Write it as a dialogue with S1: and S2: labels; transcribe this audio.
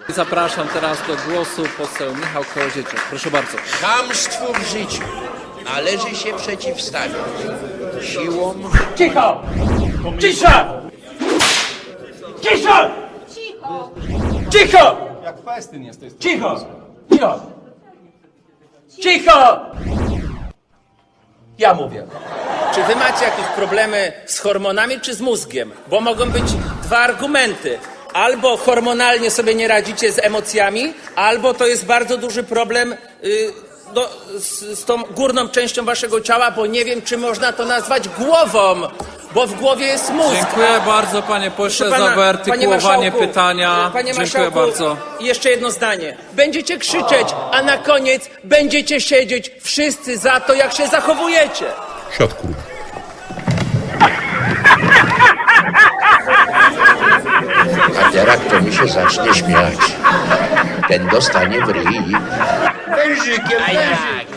S1: Zapraszam teraz do głosu poseł Michał Kołodziejczak. Proszę bardzo.
S2: Chamstwu w życiu należy się przeciwstawić siłą...
S3: Cicho! Cisza! Cisza! Cicho!
S4: Jak festyn jest, to jest...
S3: Cicho! Cicho! Cicho! Ja mówię.
S5: Czy wy macie jakieś problemy z hormonami czy z mózgiem? Bo mogą być dwa argumenty. Albo hormonalnie sobie nie radzicie z emocjami, albo to jest bardzo duży problem z tą górną częścią waszego ciała, bo nie wiem, czy można to nazwać głową, bo w głowie jest mózg.
S1: Dziękuję bardzo, panie pośle,
S5: Proszę
S1: za
S5: pana,
S1: wyartykułowanie
S5: panie
S1: pytania.
S5: Panie
S1: Dziękuję
S5: marszałku,
S1: bardzo.
S5: i jeszcze jedno zdanie. Będziecie krzyczeć, a na koniec będziecie siedzieć wszyscy za to, jak się zachowujecie.
S6: Siatku.
S2: A teraz kto mi się zacznie śmiać, ten dostanie w ryj. Wężykiem, wężykiem.